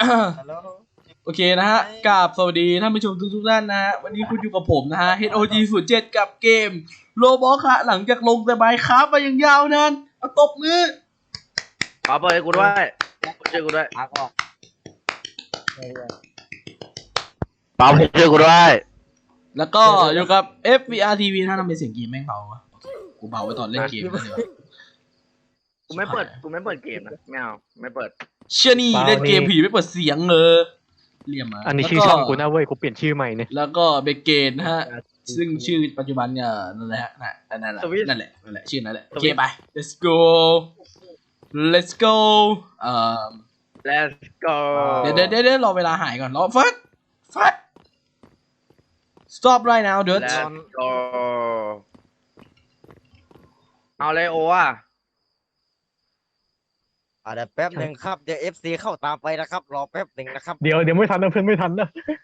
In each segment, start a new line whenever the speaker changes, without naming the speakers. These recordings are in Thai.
ฮัลโหล
โอเคนะฮะกราบสวัสดีท่านผู้ชมทุกท่านนะฮะวันนี้คุณอยู่กับผมนะฮะ HOG07 กับเกมโรบอทค่ะหลังจากลงแต่ไมน์คราฟต์มาอย่างยาวนานเอาตบมือ
ขอเปิดให้กูด้วยช่วยกูด้วย
พักออก
เปล่าช่วยกูด้วย
แล้วก็อยู่กับ FVR TV ถ้าทำเป็นเสียงเกมแม่งเบาวะกูเบาไว้ตอนเล่นเกมเลย
กูไม่เปิดเกมนะไม่เอาไม่เปิด
เชื่อนี่เล่นเกมผีไม่เปิดเสียงเรียมมา
อันนี้ชื่อช่องกูนะเว้ยกูเปลี่ยนชื่อใหม่เนี่ย
แล้วก็เบเกนนะฮะซึ่งชื่อปัจจุบันเนี่ยนั่นแหละฮะนั่นแหละชื่อนั่นแหละโอเคไป let's go let's go
Let's go
เดี๋ยวรอเวลาหายก่อนรอฟัด stop right now dude
Let's go เอาเลยโออ่ะ
เดี๋ยวแป๊บหนึ่งครับเดี๋ยว FC เข้าตามไปนะครับรอแป๊บหนึ่งนะครับ
เดี๋ยวไม่ทันนะเพื่อนไม่ทันนะ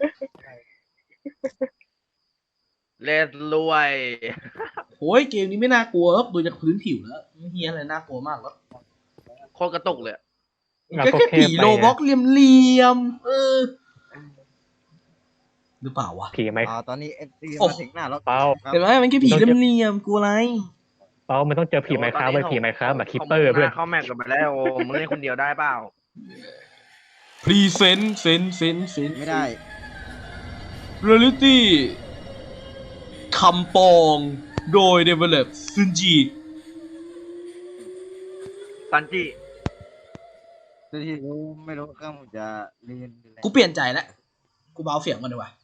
Let's รวย
โอ้ยเกมนี้ไม่น่ากลัวครับดูจากพื้นผิวแล้วไม่เฮียอะไรน่ากลัวมากแล้ว
โคตรกระตุกเลย
ก็แค่ผีโลบ็อกเหลี่ยมหรือเปล่าวะ
ผีไหม
ตอนนี้ FC มาถึงหน้าแล้ว
เปล่า
เห็นไหมมันแค่ผีเหลี่ยมกลัวอะไร
เปล่ามันต้องเจอผีไหมครับเว้ยผีไหมครับแบบคิปเปอร์เพื่อน
เข้าแม็กกันไปแล้วโอ้มึงเล่นคนเดียวได้เปล่า
พรีเซนต์
ไม่ได้
เรียลิตี้คำปองโดย Develop ซึนจิ
ซันจิ
ที่กูไม่รู้ข้างจะเรียนอะไร
กูเปลี่ยนใจแล้วกูเบาเสียงมันดีกว่า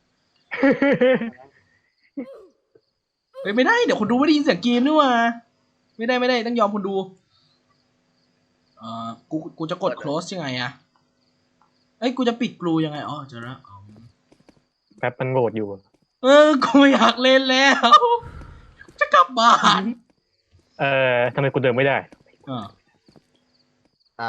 เฮ้ยไม่ได้เดี๋ยวคนดูไม่ได้ยินเสียงเกมนี่ว่าไม่ได้ต้องยอมคนดูกูจะกด close ยังไงอะเอ้ยกูจะปิดกลูยังไงอ๋อเจอแล้ว
แป๊บมันโหลดอยู่
กูไม่อยากเล่นแล้วจะกลับบ้าน
ทำไมกูเดินไม่ได้
อ้าว
อ้าว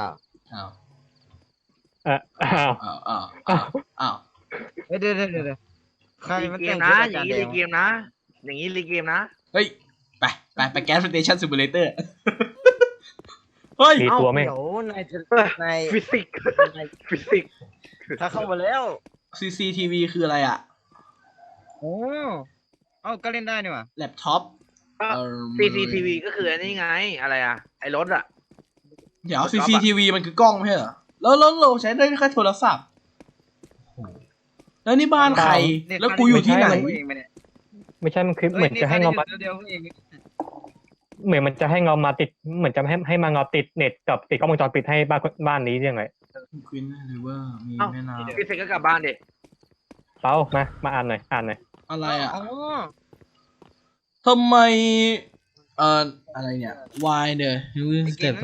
เดี๋ยวใครมัน
เก
แต่
ม
ง
นะ
ชุด
อย่างนี้รีเกมนะอย่างนี้รีเกมนะ
เฮ้ยไปแก๊สสเตชันซิมูเลเตอร์เฮ้ย
มีตัวไหม
เดี๋ยวนาย
ฟิสิกส์
ถ้าเข้ามาแล้ว
CCTV คืออะไรอะ
โอ้ก็เล่นได้นี่หว่า
แล็ปท็อป
CCTV ก็คืออันนี้ไงอะไรอ่ะไอ้รถอ่ะ
เดี๋ยว CCTV มันคือกล้องไม่ใช่เหรอแล้วเราใช้ได้แค่โทรศัพท์แล้วนี่บ้านใครแล้วกูอยู่ที่ไหน
ไม่ใช่มันคือเหมือนจะให้เงามาเหมือนมันจะให้เงามาติดเหมือนจะให้มาเงาติดเน็ตกับติดกล้องวงจรปิดให้บ้านนี้ยังไง
ควินหรือว่ามีแม่น้ำ
พี่เซ็กก็กลับบ้านดิ
เปล่ามาอ่านหน่อย
อะไรอ่ะทำไมอะไรเนี่ย Y เนี่ยสเต็ป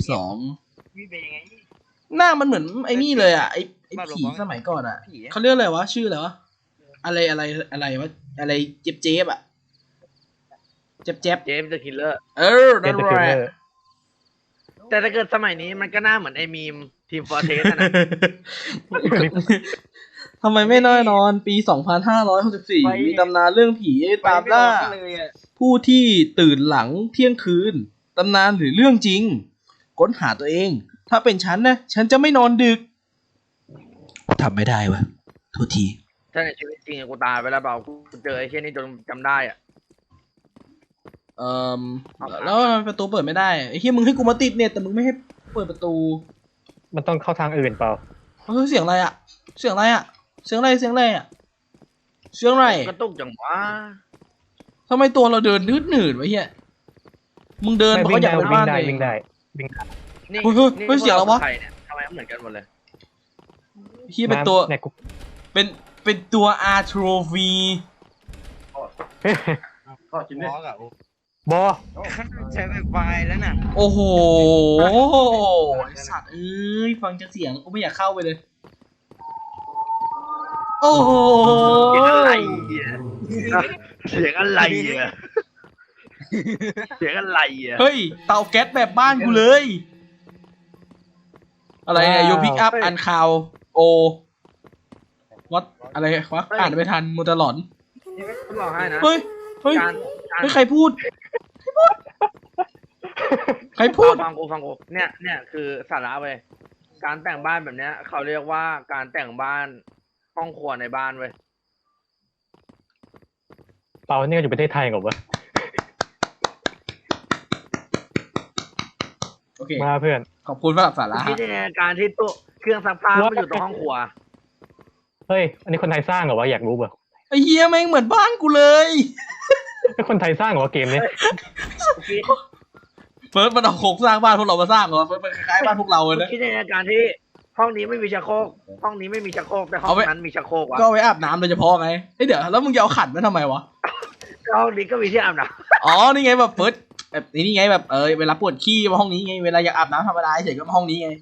2022หน้ามันเหมือนไอ้นี่เลยอ่ะไอ้ผีสมัยก่อนอ่ะเขาเรียกอะไรวะชื่ออะไรวะอะไรวะอะไรเจ็บอ่ะเจ็บ
เจมส์เดอะคิลเลอร์
นั่นแหละ
แต่ถ้าเกิดสมัยนี้มันก็หน้าเหมือนไอ้มีมทีมฟอร์เทสนะ
ทำไมไม่น้อยนอนปี 2564 มีตำนานเรื่องผีตามล่าผู้ที่ตื่นหลังเที่ยงคืนตำนานหรือเรื่องจริงค้นหาตัวเองถ้าเป็นฉันนะฉันจะไม่นอนดึกทำไม่ได้วะโทษที
ถ้าในชีวิตจริงกูตายไปแล้วเปล่ากูเจอไอ้เช่นนี้จนจำได้อ่ะ
แล้วประตูเปิดไม่ได้ไอ้ที่มึงให้กูมาติดเน็ตแต่มึงไม่ให้เปิดประตู
มันต้องเข้าทางอื่นเปล่า
เสียงอะไรอ่ะเสียงอะไรอ่ะเสียงอะไร
กระตุกจังวะ
ทำไมตัวเราเดินนืดๆวะเฮียมึงเดินเพราะอยากเป็นบ้านเลย
วิ่งได้
นี่เสียงแล้ววะ
ทำไมเหมือนกันหมดเลย
เฮียเป็นตัวเป็นตัวอาร์โทรฟี
ก็จิ้มเลย
บอ
ใช้ไฟแล้วน่ะ
โอ้โหไอสัตว์ฟังจากเสียงกูไม่อยากเข้าไปเลยโอ้โห
เสียงอะไร
เฮ้ยเตาแก๊สแบบบ้านกูเลยอะไรเนี่ยโยพิกอัพอันคาวโอวัดอะไรวะอ่านไม่ทันมัวแต่หลอนเฮ้ยใครพูด
ฟังกูเนี่ยคือสาระเว้ยการแต่งบ้านแบบเนี้ยเขาเรียกว่าการแต่งบ้านห้องครัวในบ้านเว้ย
เปาเนี่ยอยู่ประเทศไทยเหรอวะ
โอเค
มาเพื่อน
ขอบคุณสำหรับสาระ
คิดยังไงการที่ตู้เครื่องซักผ้ามันอยู่ตรงห้องครัว
เฮ้ยอันนี้คนไทยสร้างเหรอวะอยากรู้เปล่า
ไอ้เฮียแม่งเหมือนบ้านกูเลย
เป็นคนไทยสร้างเหรอวะเกมนี้
เฟิร์สมันเอาโครงสร้างบ้านพวกเรามาสร้างเหรอเฟิร์สมันคล้ายๆบ้านพวกเราเลยนะ
คิดยังไงการที่ห้องนี้ไม่มีชักโครกห้องนี้ไม่มีชักโครกแต่ห้องนั้นมีชักโครกวะ
ก็เอาไว้อาบน้ำโดยเฉพาะไงเฮ้ยเดี๋ยวแล้วมึงจะเอาขันมาทำไมวะ
ห้องนี้ก็มีที่อาบน้
อ๋อนี่ไงแบบเฟิร์สแบบนี่ไงแบบเวลาปวดขี้มาห้องนี้ไงเวลาอยากอาบน้ำธรรมดาเฉยก็มาห้องนี้ไง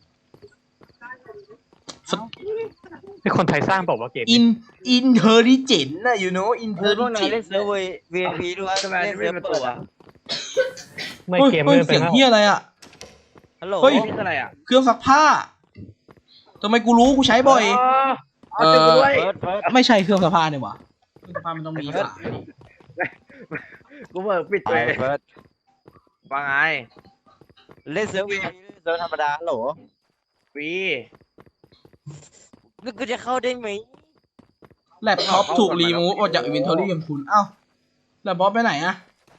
เป็นคนไทยสร้างเปล่าวะเกม
อินเทอริเจนนะ you know อินเทอ
พวก
ริ
นา
เจ
ย
น
เล่นเซิร์ฟเวอร์ VIP ด้วย
ำทำไม
เล่น
ไม่
เซิร์ฟ
เป็น
เปิ
ตั
ด
ว
อะ
ไม่เกม
เฮ้
ไม่
ย
เป็
เสีย
น
ง
แล้ว
เฮียอะไรอ่ะ
ฮัลโหล
เฮ้ย
นี่คืออะไรอ่ะ
เครื่องซักผ้าทำไมกูรู้กูใช้บ่อย
เอาติดกูด้วย
เฟิร์สเฟิร์ส
ไม่ใช่เครื่องซักผ้าเนี่ยวะเครื่องซักผ้ามันต้องมีฝาดิ
กูเบิกปิด
ไป
เลย
เฟิร์ส
ว่าไง
เล่นเซิร์ฟ VIP เล่นเซิร์ฟธรรมดาฮัลโหล
ฟรี
นึกกูจะเข้าได้ไหม
แล็ปท็อปถูกรีมูฟออกจากอินเวนทอรี่ของคุณเอ้าแล็ปท็อปไปไหนอะ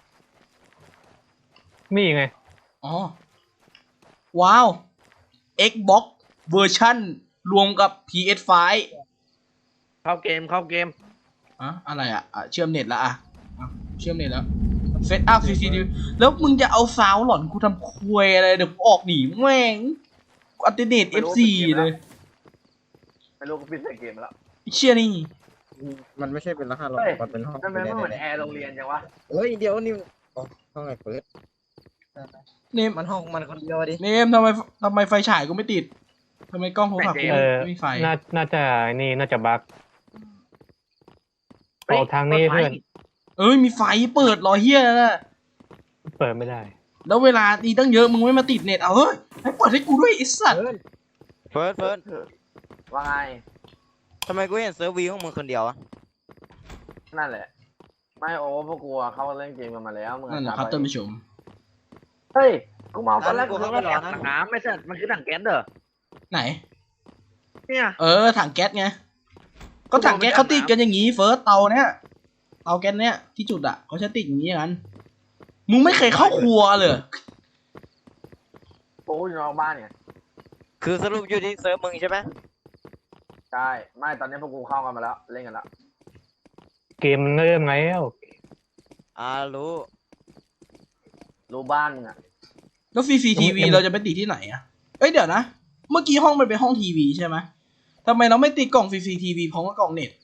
นี่ไง
อ๋อว้าว Xbox เวอร์ชันรวมกับ PS5
เข้าเกมเข้าเกม
อะอะไรอ่ะเชื่อมเน็ตแล้วอ่ะเชื่อมเน็ตแล้วเซตอัพ CCTV แล้วมึงจะเอาซาวหลอนกูทำควยอะไรเดี๋ยวกูออกหนีแม่งกูอัลเทอร์เนท F4 เลย
ไม่รู้กูปิดใส่เกมแล้ว
ไอ้เชี่ยนี่
มันไม่ใช่เป็นรหัสหรอก
เฮ้ย
มันเป็นห้อง
ทำไมไม่เหมือนแอร์โรงเรียนจังวะ
เฮ้ยเดี๋ยวนี่อ๋อห้องไหนเฟิร์ส
เนม
มันห้องมันคนเดียวดิ
เนมทำไมไฟฉายกูไม่ติดทำไมกล้องโทรศัพท์กู ไม่มีไฟ
น่าจะนี่น่าจะบั๊กเอาทางนี้เพื่อน
เอ้ยมีไฟเปิดรอเฮียนะ
เปิดไม่ได้
แล้วเวลาดีตั้งเยอะมึงไม่มาติดเน็ตเอาเฮ้ยให้เปิดให้กูด้วยไอ้สัตว์
เฟิร์สเฟิร์ส
ว่าไง
ทำไมกูเห็นเซิร์ฟวีของมึงคนเดียวอะ
นั่นแหละ ไม่โอ้พวกกูอะเข้าเล่นเกมกันมาแล้วมึง
นั่นนะครับท่านผู้ชม
เฮ้ยกูเมาตอนแรกกูเข้าไปรอถังน้ำไม่ใช่มันคือถังแก๊สเด้อ
ไหน
เนี่ย
ถังแก๊สไงก็ถังแก๊สเขาติดกันอย่างงี้เฟิร์สเตาเนี้ยเตาแก๊สเนี้ยที่จุดอ่ะเขาจะติดอย่างงี้กันมึงไม่เคยเข้าครัวเลย
กูอยู่นอกบ้านเนี่ย
คือสรุปอยู่ที่เซิร์ฟมึงใช่ไหม
ใช่ไม่ตอนนี้พวกกูเข้ากันมาแล้วเล่นกันแล้ว
เกมมันเริ่มไงแล้ว
รู้
รู้บ้านมึงอะ
แล้ว CCTV เราจะไปติดที่ไหนอ่ะเอ้ยเดี๋ยวนะเมื่อกี้ห้องมันเป็นห้องทีวีใช่ไหมทำไมเราไม่ติดกล่อง CCTV พร้อมกับกล่องเน็ต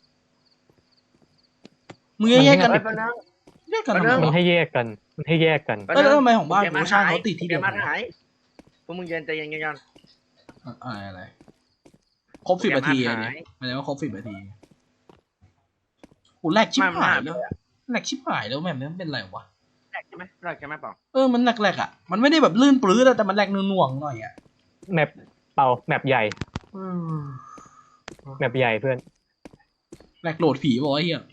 มึงแยกกัน
เฮ้ยแป๊บนึง
แยกกัน
มันเริ่
ทำไม
มัน
วะ
ให้แยกกันมันให้แยกกัน
แล้วทำไมของบ้านกูช่างเขาติดที่เดียว
มาหายพวกมึงเย็นใจเย็นกัน
อะไรครบ10 นาทีอันนี้หมายถึงว่าครบ10 นาทีกูแลกชิบหายแล้วแลกชิบหายแล้วแม่งมันเป็นไรวะ
แรกใช่ไหมแรกใช่ไหมเปล่า
มันแหลกๆอ่ะมันไม่ได้แบบลื่นปลื้ดอะแต่มันแหลกหน่วงๆหน่อยอ่ะ
แมปแมปใหญ่แมปใหญ่เพื่อน
แหลกโหลดผีบอกว่าเฮีย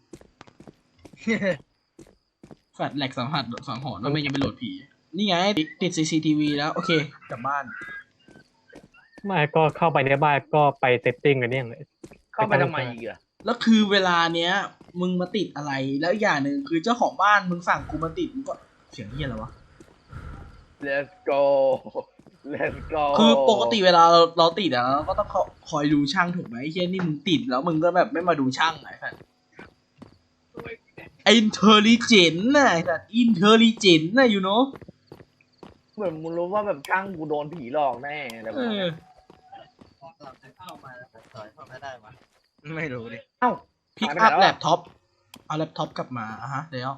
แฟดแหลกสังหรณ์ว่าไม่ยังไปโหลดผีนี่ไงติด CCTV แล้วโอเคกลับบ้าน
ไม่ก็เข้าไปในบ้านก็ไปเซตติ้งกันเนี่ย
เข้าไปทำไมอีกอะ
แล้วคือเวลาเนี้ยมึงมาติดอะไรแล้วอีกอย่างหนึ่งคือเจ้าของบ้านมึงสั่งกูมาติดมึงก็เสียงเฮียอะไรวะ
Let's go Let's go
คือปกติเวลาเราติดอะเราก็ต้องคอยดูช่างถูกไหมไอ้เฮียนี่มึงติดแล้วมึงก็แบบไม่มาดูช่างไอ้สัสอินเทอริเจนน่ะไอ้สัสอินเทอริเจนน่ะอยู่เนาะ
เหมือนมึงรู้ว่าแบบช่างกูโดนผีหลอกแน่อะไรแบบนี้
ไม่รู้ดิ
เอ้า
พิกอัพแล็ปท็อปเอาแล็ปท็อปกลับมาฮะเดี๋ยว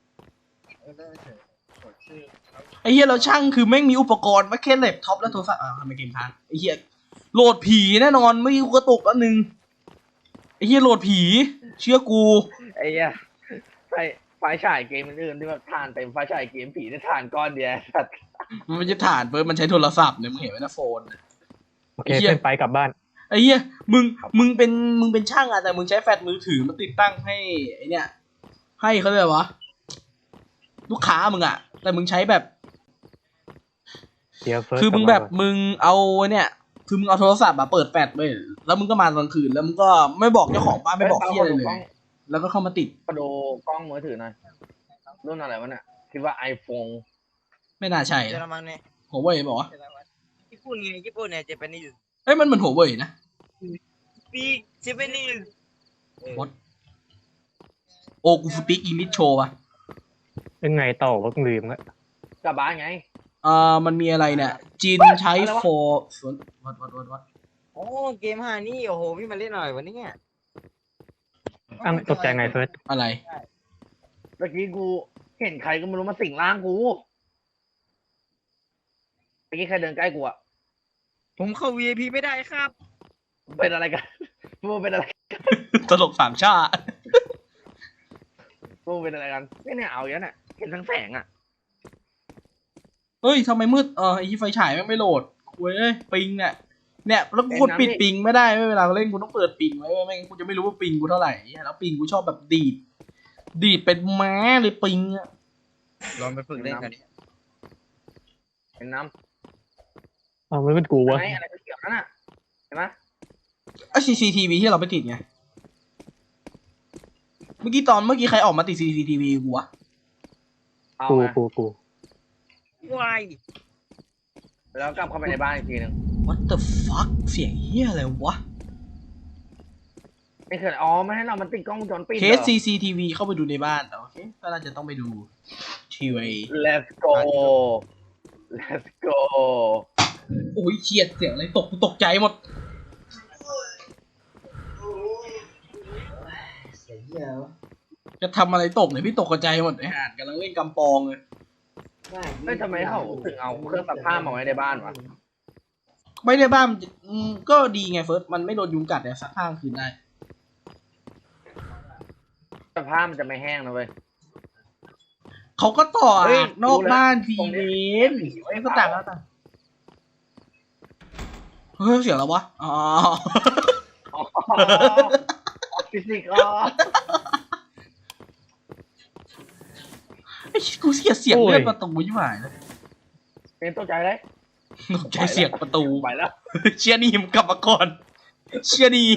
ไอ้เฮียเราช่างคือแม่งมีอุปกรณ์มาแค่แล็ปท็อปแล้วโทรศัพท์ทำไมเกมค้างไอ้เฮียโหลดผีแน่นอนไม่กระตุกอันนึงไอ้เฮียโหลดผีเชื่อกู
ไอ้เหี้ยไฟฉายเกมอื่นๆที่แบบทานเต็มไฟฉายเกมผีได้ทานก้อนเดียวสัตว์
มันไม่ใช่ถ่านเปิดมันใช้โทรศัพท์เนี่ยมึงเห็นไหมนะโฟน
โอเคเพื่อนไปกลับบ้าน
ไอ้เหี้ยมึงเป็นช่างอะแต่มึงใช้แฟลชมือถือมาติดตั้งให้ไอ้เนี่ยให้เขาเรียกวะลูกค้ามึงอะแต่มึงใช้แบบ
เดี๋ยวเฟิร์ส
คือมึงแบบมึงเอาเนี่ยคือมึงเอาโทรศัพท์มาเปิดแฟลชไปแล้วมึงก็มาตอนคืนแล้วมึงก็ไม่บอกเจ้าของบ้านไม่บอกเที่ยอะไรเลย แล้วก็เข้ามาติด
กระโดกล้องมือถือหน่อยรุ่นอะไรวะเนี่ยคิดว่า iPhone
ไม่น่าใช่
เยอรมันเนี่ย
หัวเว่ยบอกว่า
ญี่ปุ่นไงญี่ปุ่นเนี่ยเจแปนิส
เอ้ยมันเหมือนหัวเว่ยนะ
ปีเจแปนิส
What โอ้กูสปีกอังกฤษโชว์ป่ะ
ยังไงต่อวะลืมละ
กลับบ้านไง
มันมีอะไรเนี่ยจีนใช้
อะไรวะ
for วัด
โอ้เกม5นี่โอ้โหพี่มาเล่นหน่อยวันนี้เนี่ย
อ้าวตกใจไงเฟิร์ส
อะไร
เมื่อกี้กูเห็นใครก็ไม่รู้มาสิงร่างกูเมื่อกี้ใครเดินใกล้กูอะ
ผมเข้า VIP ไม่ได้ครับ
เป็นอะไรกันพวกเป็นอะไร
ตลกสามชาติ
พวกเป็นอะไรกันเนี่ยเอาอย่างนั้นน่ะเห็นทั้งแสงอะ
เฮ้ยทำไมมืดไอ้ไฟฉายไม่โหลดคุยปิงเนี่ยแล้วกูกดปิดปิงไม่ได้เวลาเล่นกูต้องเปิดปิงไว้ไม่งั้นกูจะไม่รู้ว่าปิงกูเท่าไหร่แล้วปิงกูชอบแบบดีดเป็นแม้เลยปิงอะ
ลองไปฝึกเล่นกันดิ
เห็นน้
อ้าวไม่เป็นกู
ำ
วะ
ไหนอะไรเกี่ยวนั่นน่ะเห็นไหม
CCTV ที่เราไปติดไงเมื่อกี้ใครออกมาติด CCTV กูวะ
เอา
กู
ไง
กู
วาย
แล้วกลับเข้าไปในบ้านอีกทีหนึ่ง
What the fuck เสียงเฮียอะไรวะ
ไม่เคยอ๋อไม่ให้เรามันติดกล้องวงจรปิด
เค
เหร
ส
อ
CCTV เข้าไปดูในบ้านโอเคก็น่าจะต้องไปดูทีวี
Let's go Let's go
โอ้ยเฉียดเสียงอะไรกูตกใจหมดจะทำอะไรตกเนี่ยพี่ตกกระจายหมดไอ้ห่านกำลังเล่นกำปองเลย
เฮ้ยทำไมเขาถึงเอาเครื่องซักผ้ามาไว้ในบ้านวะ
ไม่ได้บ้านก็ดีไงเฟิร์สมันไม่โดนยุงกัดแต่ซักผ้ากลางคืนได้
แต่ผ้ามันจะไม่แห้งนะเว้ย
เขาก็ต่อ
เฮ้ย
นอกบ้าน
ดู
ที
แล้ว
เวนไม่ก็ต่างแล้วต่างเฮ้ยเสียงแล้ววะอ๋อ
อ๋อฟิสิกส์
ไอ้กูเสียงเลื่อนประตูยิ่งหายเลย
เป็นตัวใจเลย
ตกใจเสียงประตู
ไปแล้ว
เชียร์นี่มันกลับมาก่อนเชียร์นี่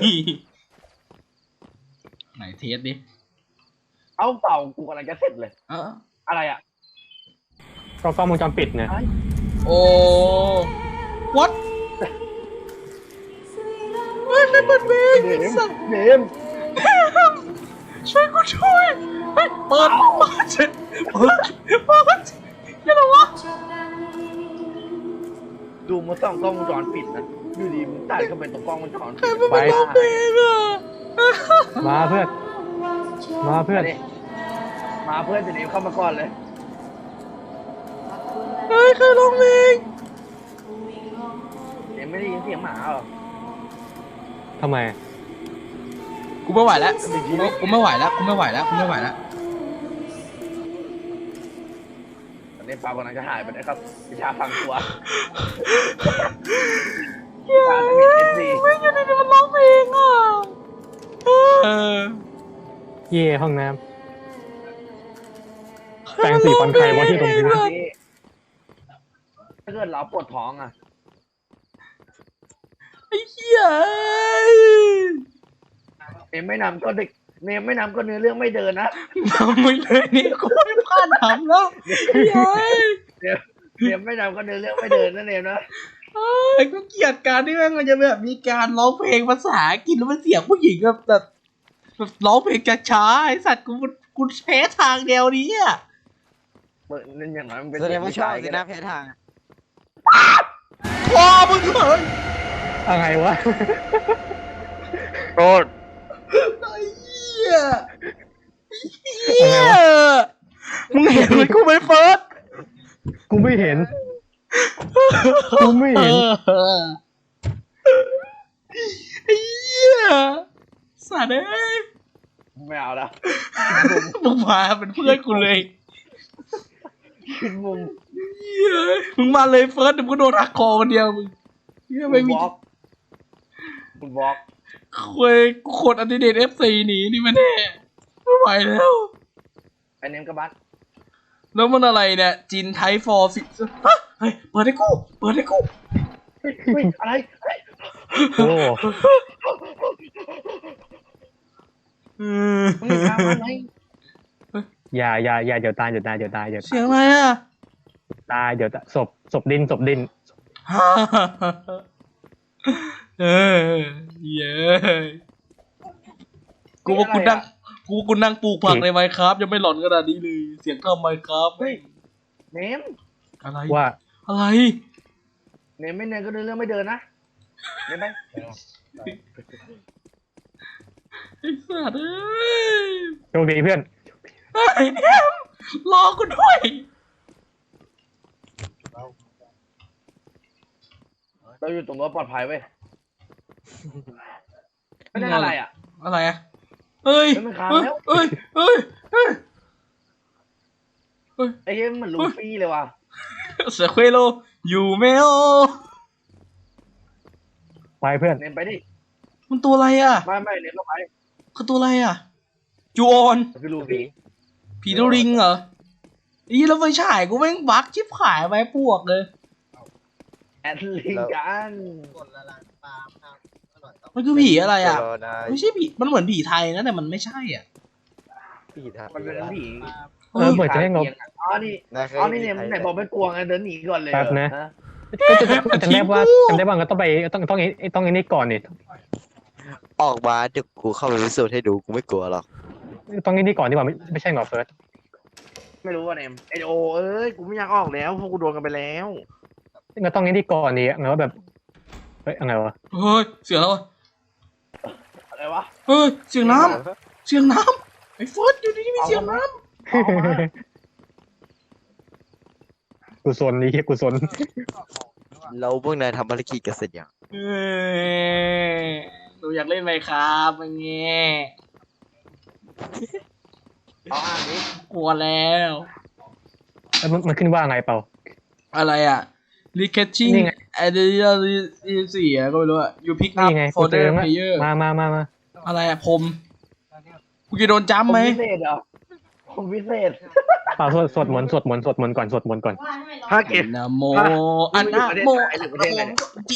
ไหนเทสดิ
เอาเป่ากูกำลังจะเสร็จเลย อะไรอ่ะ
ก็กล้องวงจรปิดเนี่ย
โอ้ what เฮ้ยไม่เปิดเพลง
เดม
สัตว์
เดม
ช่วยกูช่วยเฮ้ยเปิดยังไงวะ
ดูมาส่องกล้องวงจรปิดนะอยู่ดีมึงตัดเข้าไปตรงกล้องวงจรปิด
ไปร้องเพลงอ่ะ
มาเพื่อนมาเพื่อน
มาเพื่อนจะเดมเข้ามาก่อนเลย
เฮ้ยใครร้องเพลง
เดมไม่ได้ยินเสียงหมาเหรอ
ทำไม
กูไม่ไหวแล้วกูไม่ไหวแล้วกูไม่ไหวแล้วกูไม่ไหวแล้ว
ตอนนี้ปลากำลังจะหายไปนะครับวิชาฟังตัว
ไม่อยู่ในนี้มันร้องเพลงอ่ะ
เย่ห้องน้ำแปรงสีฟันใครวะที่ตรงพื้น
ถ้าเกิดเราปวดท้องอ่ะ
ไอ้เหี้ย
เนมไม่นำก็เด็กเนมไม่นำก็เนื้อเรื่องไม่เดินนะ
ทำไม่เลยนี่กูไม่พลาดทำแล้วเฮ้ย
เนมไม่นำก็เนื้อเรื่องไม่เดินนะเนมนะ
กูเกลียดการที่มันจะแบบมีการร้องเพลงภาษาอังกฤษแล้วมันเสียงผู้หญิงแบบร้องเพลงช้าๆไอ้สัตว์กูแพ้ทางเดียวนี้อ่ะ
นั่นอย่างนั้นมันเป็น
แสดงว่าชอบสินะแพ้ทาง
พอมึงเลย
อะไรวะ
โทษ
ไอ้เหี้ยมึงเห็นไหมกูไม่เฟิร์ส
กูไม่เห็น กูไม่เห็น
ไอ้เหี้ยสัตว์เอ้ย
ไม่เอาแล้ว
มึงมาเป็นเพื่อนกูเลย
ขึ้นมุม
เหี้ยมึงมาเลยเฟิร์สเดี๋ยวมึงก็โดนหักคอคนเดียวมึงเหี้ยไม่มี
คุณบล็อก
คุยกูกดอันดิเดต F4 หนีนี่มันแน่ไม่ไหวแล้ว
ไอเนมกับบัส
แล้วมันอะไรเนี่ยจินไทฟอร์ฟิฮะเฮ้ยเปิดให้กูเปิดให้กู
เฮ้ยอะไรเฮ้ย
โอ้
มึงมีทางมาไหม
อย่าเดี๋ยวตายเดี๋ยวตายเดี๋ยวตายเดี๋ยว
เสียงอะไรอ่ะ
ตายเดี๋ยวตายศพดิน
เออเย้กูว่ากูนั่งปลูกผักในไมค์ครับยังไม่หลอนขนาดนี้เลยเสียงทำไมครับ
เฮ้ยเนม
อะไร
ว่า
อะไร
เนมไม่เนมก็เดินเรื่องไม่เดินนะเนมไหม
ไอ้สัตว์เอ้ย
โชคดีเพื่อน
ไอ้เนี่ยรอกูด้วย
เราอยู่ตรงรถปลอดภัยเว้ยไม่ได้อะไรอ่ะ
อะไรอ่ะเฮ้ย
เฮ้ยมันค้าง
เฮ้ย
แล้ว
เฮ้ยเฮ้ยเฮ้ย
ไอ้เหี้ยมันเหมือนลูฟี่เลยว่ะ
เสือเควโลอยู่เมโอ
ไปเพื่อน
เนมไปดิ
มันตัวอะไรอ่ะ
ไม่เนมก็ไป
คือตัวอะไรอ่ะจูออน
มันคือลูฟี่
ผีตัวริงเหรออีแล้วไฟฉายกูแม่งบั๊กชิบหายไปพวกเลย
แอดลิงกัน
มันคือผีอะไรอ่ะ
รอนะ
ไม่ใช่ผีมันเหมือนผีไทยนะแต่มันไม่ใช่อ่ะ
พี่ทำ
มันเป็นผี
เหมือนจะให้งบ
อ๋อนี่อ๋อนี่เนี่ยไหนบอกไม่กลัวไงเดินหนีก่อนเลย
แป๊บนะ
ฮ
ก็จะจำได้ว่าก็ต้องไปต้องไอ้นี่ก่อนนี่
ออกมาเดี๋ยวกูเข้าไปพิสูจน์ให้ดูกูไม่กลัวหรอก
ต้องไอ้นี่ก่อนดีกว่าไม่ใช่หรอเฟิร์ส
ไม่รู้ว่าเนมไอโอเอ้ยกูไม่อยากออกแล้วพวกกูโดนกันไปแล้ว
ก็ต้องไอ้นี่ก่อนนี่ไงว่าแบบเฮ้ยอะไรวะ
เฮ้ยเสียงแล้ววะ
อะไรวะ
เฮ้ยเสียงน้ำเสียงน้ำไอ้เฟิร์สอยู่ดีๆมีเสียงน้
กูซนนี่กูซน
เราพวกนายทำภารกิจกันเสร็จยัง
ำเอ้ยหนูอยากเล่นไหมครับอย่างเงี้ย
เอาอ่านดิ
กลัวแล้ว
มันขึ้นว่าไงเปล่า
อะไรอ่ะ recatching
นี่ไง
additional 4ก็ไม่รู้อ่ะ you pick up
นี่ไงกูเจ
folder
อแล้ว
player
มา
อะไรอ่ะผมกูจะโดนจ้ำไหม
พิเศษเหรอผมพิเศษ
เปล่าสวดมนต์ก่อน
ถ้าเก็บ
นะโม
ฮะ
อันนะโม
หรือประเทศไหนเนี่ย
จิ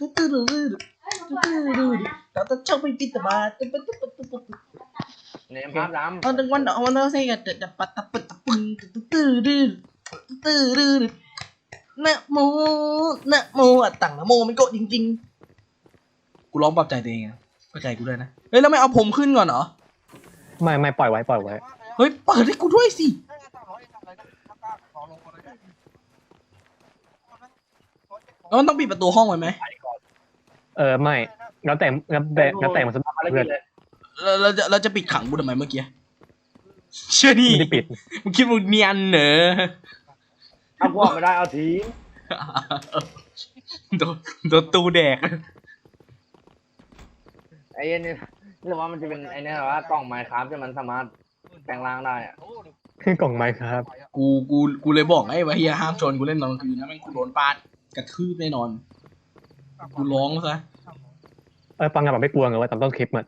แต่ชอบไปปิดตาบา
เนมพามดำ
เอาดังวันเอาวันนั้นใส่กันจะปัดตะปัดตะปึงนะโมนะโมอ่ะตั้งนะโมมันโกจริงๆกูร้องปลอบใจตัวเองนะเข้าใจกูด้วยนะเฮ้ยแล้วไม่เอาผมขึ้นก่อนเหรอ
ไม่ปล่อยไว้
เฮ้ยเปิดให้กูด้วยสิแล้วมันต้องปิดประตูห้องไว้ไหม
ไม่แล้วแต่มันสบาย
อะไร
เพื่
กิ
อน
นเลย
เราจะปิดขังกูทำไมเมื่อกี้เชื่อนี่
ไม่ได้ปิด
มึงคิดว่าเนียนเหรอ
เอาพวกไม่ได้เอาทิ้ง
โดนตูแดก
ไอ้เนี่ยหรือว่ามันจะเป็นไอ้เนี่ยว่ากล่องไมค์ครับที่มันสามารถแปลงร่างได้อะ
คือกล่องไม้ครับ
กูเลยบอกไอ้ว่าเฮียห้ามชนกูเล่นตอนกลางคืนนะแม่งกูโดนปาดกระทืบแน่นอนกูร้องซะ
ปังงานแบบไม่กลัวไงว่าตามต้นคลิปมัน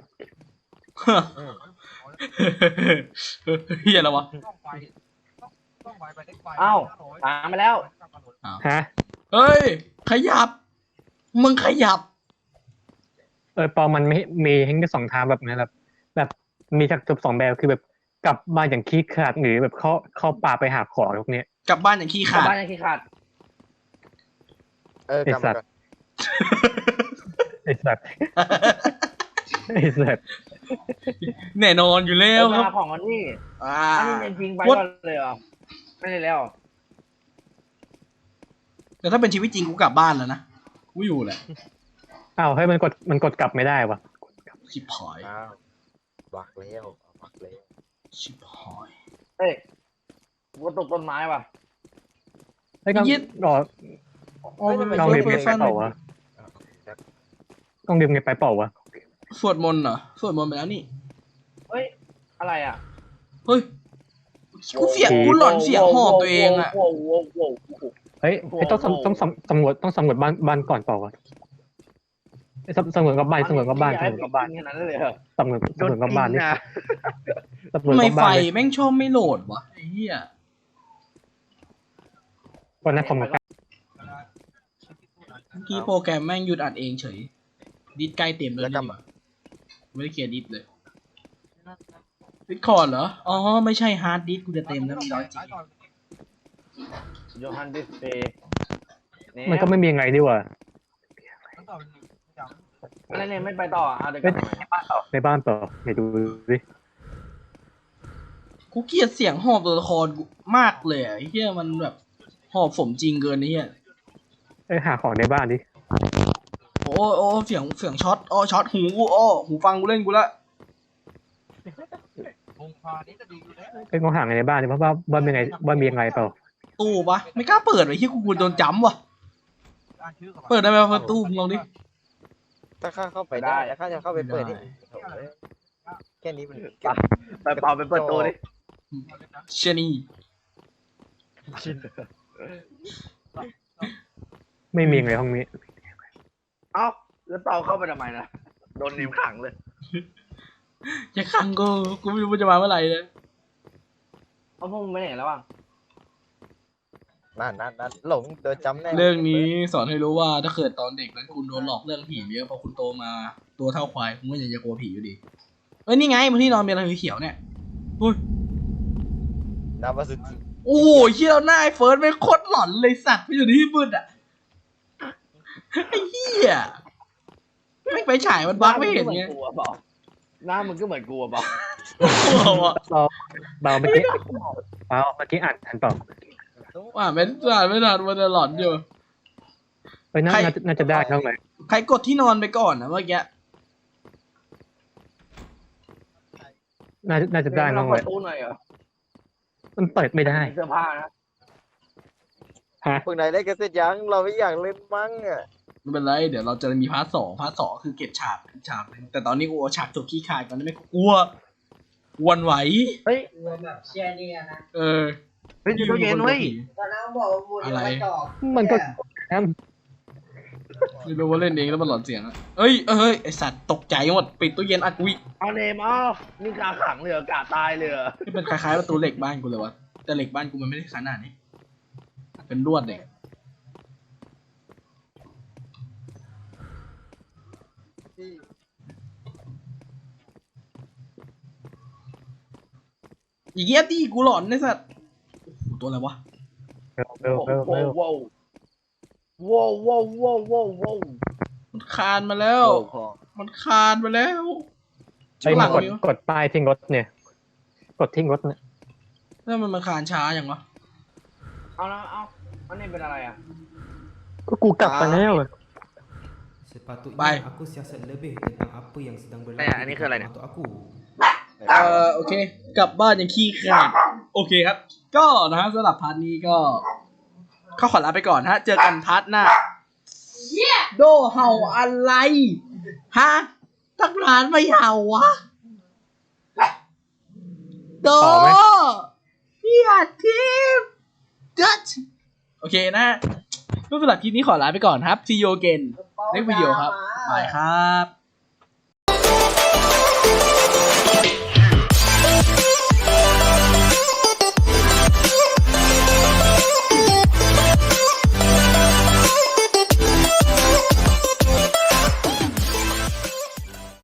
เฮียแล้ววะ
เอ้าตามไปแล้ว
ฮะ
เฮ้ยขยับมึงขยับ
ปอมันไม่มีให้แค่2 ทางแบบนี้แบบมีจากจบ2 แบบคือแบบกลับบ้านอย่างขี้ขลาดหรือแบบเข้าป่าไปหาของพวกเนี้ย
กลับบ้านอย่างขี้
กลับ
ขาด
บ้านยังขี้ขาด
กลับมาก่อน
ไอ้สัตว์
แน่นอนอยู่แล้วค
เว
รับ
ลาของมันนี่
อ่า
อันนี้จริงๆไปก่อนเลยเหรอไม่ได้แล้ว
แต่ถ้าเป็นชีวิตจริงกูกลับบ้านแล้วนะกูอยู่แหละ
อ้าวให้มันกดกลับไม่ได้วะ
ชิบหาย
อ้าวบักแล้วบักแล้ว
ชิบหาย
เอ้ยกูตกต้นไม้ว่ะ
ไอ้ก็รอ
โอ้ย
ต้องรีบ
เฟิ
ไง
ร์ส
ไปเปล่าวะต้องรีบไงไปเปล่าวะ
สวดมนต์เหรอสวดมนต์ไปแล้วนี่
เฮ้ยอะไรอ่ะ
เฮ้ยกูหลอนเสียงหอบตัวเองอะ
โว้โว้
เฮ้ยต้องสำรวจบ้านก่อนเปล่าวะสำรวจกับบ้าน
ขนาดนั้นเลยเหรอ
สำรวจกับบ้านนี่
นะ
สำรวจ
ทำไม
กับ
ไฟ
บ้าน
แม่งชอบไม่โหลดวะไอ้เหี้ย
วันนั้นผม
ที่โปรแกรมแม่งหยุดอัดเองเฉย ดิสใกล้เต็มแล้วนี่หว่าไม่ได้เคลียร์ดิสเลยดิสคอร์ดเหรอ อ๋อ ไม่ใช่ฮาร์ดดิสกูจะเต็มแล้วมันร้อยจริง
โยฮันดิสเปย์
มันก็ไม่มียังไงดีกว่า
อะไรเนี่ยไม่ไปต่ออ่ะเดี๋ยวกลับมา
ในบ้านต่อไปดูดิ
กูเกลียดเสียงหอบตัวละครกูมากเลยอ่ะไอ้เหี้ยมันแบบหอบสมจริงเกินไอ้เหี้ย
หาของในบ้านดิ
โอ้เสียงช็อตช็อตหูกูหูฟังกูเล่นกูละ
งองหาในบ้านดิเพราะว่าบ้านมีไงบ้านมียังไงเปล่า
ตู้ปะไม่กล้าเปิดไอ้เหี้ยกูกลัวโดนจ้ำว่ะเปิดได้ไหมประตูมึงลองดิ
ถ้าข้าเข้าไปได้แล้วข้าจะเข้าไปเปิดนี่แค่นี้มัน
ไปเป่าไปเปิดตัวดิ
เชนี่
ไม่มียังไงห้องนี้
เอ้าแล้วเป่าเข้าไปทำไมนะโดนนิ้วขังเลย
อย่าขังกูไม่รู้ว่าจะมาเมื่อไหร่เลย
เอาพวกมึงไปไหนแล้วอ่ะ
นั่นหลงโดนจำแน่
เรื่องนี้สอนให้รู้ว่าถ้าเกิดตอนเด็กนั้นคุณโดนหลอกเรื่องผีเยอะพอคุณโตมาตัวเท่าควายคุณก็ยังจะกลัวผีอยู่ดีเอ้ยนี่ไงบนที่นอนมีอะไรเขียวๆเนี่ยอุ้ย
น้ำมาสุด
โอ้โหเหี้ยหน้าไอ้เฟิร์สไม่งโคตรหลอนเลยสัตว์ไปอยู่ที่มืดอ่ะไอ้เหี้ยไม่ไปฉายมันบั๊กไม่เห็นไง
หน้ามึงก็เหมือนกูอะเปล่า
เบาเมื่อกี้อ่านเปล่า
ว่าไม่ทันมันจะหลอนอยู่
น่าจะได้ทั้งไหน
ใครกดที่นอนไปก่อนนะเมื่อกี้
น่าจะได้ทั้งไหน
เปิดตู้หน่อยเหรอ
มันเปิดไม่ได้
เสื้อผ้านะ
ฮะ
พวกนายได้กันเสร็จยังเราไม่อยากเล่นมั้งอ่ะ
ไม่เป็นไรเดี๋ยวเราจะมีพาร์ทสองคือเก็บฉากหนึ่งแต่ตอนนี้กูเอาฉากจบขี้คายก่อนได้ไหมกูกลัววันไหว
เฮ้ย
เชียร์เนี่ยนะ
เออ
เฮ้ยตู้เย็นเว้ย
ตอนนั้นบอกว่าบูดไม่ตอบ
มันก็
ไม่รู้ว่าเล่นเองแล้วมันหลอนเสียงอะเอ้ยไอสัตว์ตกใจหมดปิดตู้เย็นอัดวิ
เอาเนมเอานี่กาขังเลยเหรอกาตายเลยเหรอ
ที่เป็นคล้ายๆประตูเหล็กบ้านกูเลยวะแต่เหล็กบ้านกูมันไม่ได้ขนาดนี้เป็นลวดเด็กอีเงี้ยตีกูหลอนไอสัตว์โอ้โหตัวอะไรวะ
เร็ว
ว้าว
มันคานมาแล้ว มันคานมาแล้ว
ไอ้มากดป้ายทิ้งรถเนี่ย กดทิ้งรถเนี่ย
แล้วมันมาคานช้าอย่างวะ
เอาแล้วเอาอันนี้เป็นอะไรอ่ะ
ก็กูกลับไปแล้ว
Sepatutnya aku siasat lebih tentang apa yang sedang berlaku
ini ke lain.
untuk aku.
โอเค กลับบ้านยังขี้ขาดโอเคครับ ก็นะฮะสำหรับพาร์ทนี้ก็เข้าขอลาไปก่อนฮะ เจอกันพาร์ทหน้าโดเห่าอะไร ฮะตั้งนานไม่เห่าวะ โดพี่อาทิมจัดโอเคนะสำหรับคลิปนี้ขอลาไปก่อนครับ See you again ในวิดีโอครับบายครับ